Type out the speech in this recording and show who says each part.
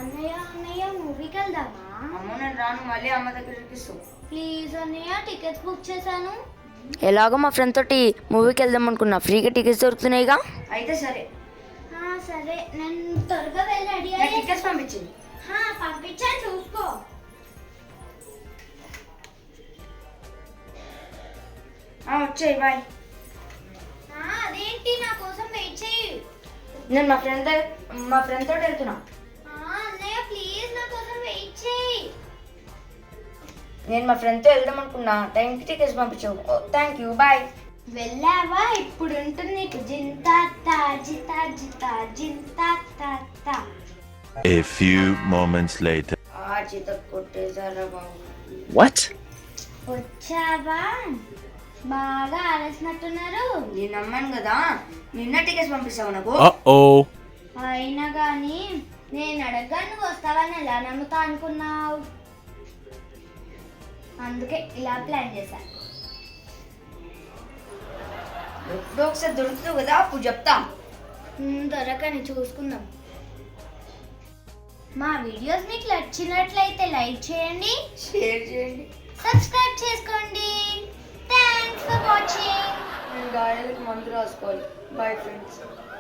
Speaker 1: అన్నయ్య అన్నయ్య మూవీకి వెళ్దామా?
Speaker 2: అమ్మ నేను రాను, మళ్ళీ అమ్మ దగ్గరికి ఇస్తావు.
Speaker 1: ప్లీజ్ అన్నయ్య, టికెట్స్ బుక్ చేశాను.
Speaker 3: ఎలాగో మా ఫ్రెండ్ తోటి మూవీకి వెళ్దాం అనుకున్నా, ఫ్రీగా టికెట్స్ దొరుకుతున్నాయిగా.
Speaker 2: అయితే సరే,
Speaker 1: సరే నేను త్వరగా వెళ్ళి రెడీ
Speaker 2: నాకు టికెట్స్ పంపించింది.
Speaker 1: పంపించాను, చూసుకో.
Speaker 2: వచ్చాయి, బాయ్.
Speaker 1: అదేంటి, నా కోసం వెయిట్ చేయి.
Speaker 2: నేను మా ఫ్రెండ్ తోటి వెళ్తున్నా.
Speaker 1: అన్నయ్య ప్లీజ్ నా కోసం వెయిట్ చేయి.
Speaker 2: నేను మా ఫ్రెండ్తో వెళ్దాం అనుకున్నా, టైంకి టికెట్స్ పంపించావు. Thank you, bye.
Speaker 1: వెళ్ళావా? ఇప్పుడు ఉంటుంది నీకు Zinta జితా జితా Zinta.
Speaker 4: A few moments later.
Speaker 2: చేత కొట్టేశారా బాబు.
Speaker 4: What?
Speaker 1: వచ్చావా? బాగా ఆలోచినట్టున్నారు.
Speaker 2: నేను నమ్మాను కదా, నిన్న టికెట్స్ పంపిస్తావు నాకు.
Speaker 4: Uh-oh.
Speaker 1: అయినా కానీ నేను అడగగా నువ్వు వస్తావని ఎలా నమ్ముతా అనుకున్నావు? అందుకే ఇలా ప్లాన్ చేశా.
Speaker 2: ఎప్పుడో ఒకసారి దొరుకుతావు కదా, అప్పుడు చెప్తా.
Speaker 1: దొరకని చూసుకుందాం. మా వీడియోస్ మీకు నచ్చినట్లయితే లైక్ చేయండి,
Speaker 2: షేర్ చేయండి,
Speaker 1: సబ్స్క్రైబ్ చేసుకోండి. Thanks for watching.
Speaker 2: నేను గాయాలకు మందు రాసుకోవాలి. Bye friends.